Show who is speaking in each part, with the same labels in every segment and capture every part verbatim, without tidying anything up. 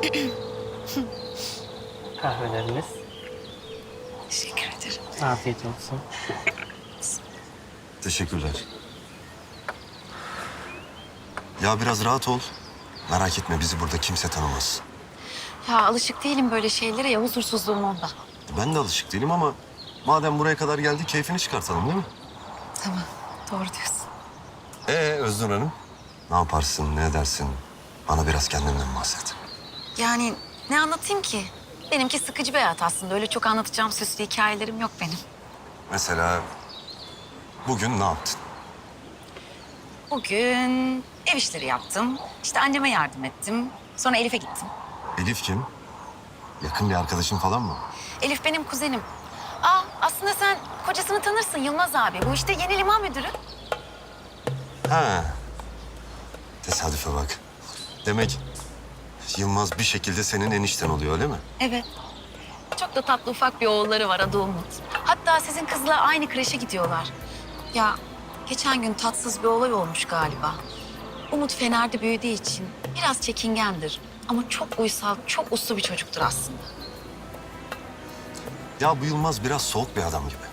Speaker 1: Kahveleriniz.
Speaker 2: Teşekkür ederim.
Speaker 1: Afiyet olsun.
Speaker 3: Teşekkürler. Ya biraz rahat ol. Merak etme bizi burada kimse tanımaz.
Speaker 2: Ya alışık değilim böyle şeylere ya huzursuzluğum onda.
Speaker 3: Ben de alışık değilim ama madem buraya kadar geldi keyfini çıkartalım değil mi?
Speaker 2: Tamam doğru diyorsun.
Speaker 3: Ee Özgür Hanım? Ne yaparsın, ne edersin? Bana biraz kendinden bahset.
Speaker 2: Yani ne anlatayım ki? Benimki sıkıcı bir hayat aslında. Öyle çok anlatacağım süslü hikayelerim yok benim.
Speaker 3: Mesela bugün ne yaptın?
Speaker 2: Bugün ev işleri yaptım. İşte anneme yardım ettim. Sonra Elif'e gittim.
Speaker 3: Elif kim? Yakın bir arkadaşın falan mı?
Speaker 2: Elif benim kuzenim. Aa aslında sen kocasını tanırsın Yılmaz abi. Bu işte yeni liman müdürü.
Speaker 3: Ha. Tesadüfe bak. Demek Yılmaz bir şekilde senin enişten oluyor öyle mi?
Speaker 2: Evet. Çok da tatlı ufak bir oğulları var adı Umut. Hatta sizin kızla aynı kreşe gidiyorlar. Ya geçen gün tatsız bir olay olmuş galiba. Umut Fener'de büyüdüğü için biraz çekingendir. Ama çok uysal, çok uslu bir çocuktur aslında.
Speaker 3: Ya bu Yılmaz biraz soğuk bir adam gibi.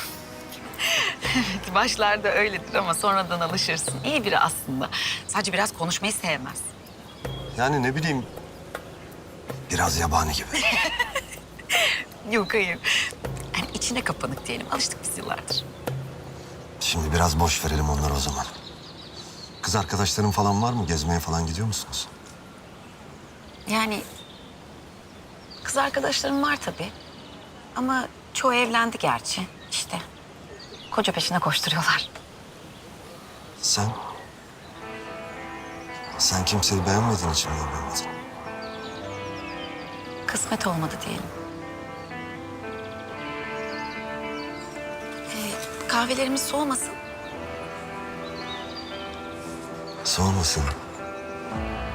Speaker 2: Başlarda öyledir ama sonradan alışırsın. İyi biri aslında. Sadece biraz konuşmayı sevmez.
Speaker 3: Yani ne bileyim biraz yabani gibi.
Speaker 2: Yok hayır. Yani içine kapanık diyelim. Alıştık biz yıllardır.
Speaker 3: Şimdi biraz boş verelim onları o zaman. Kız arkadaşların falan var mı? Gezmeye falan gidiyor musunuz?
Speaker 2: Yani kız arkadaşlarım var tabii. Ama çoğu evlendi gerçi. İşte koca peşine koşturuyorlar.
Speaker 3: Sen? Sen kimseyi beğenmediğin için mi evlenmedin?
Speaker 2: Kısmet olmadı diyelim. Ee, kahvelerimiz soğumasın.
Speaker 3: Soğumasın.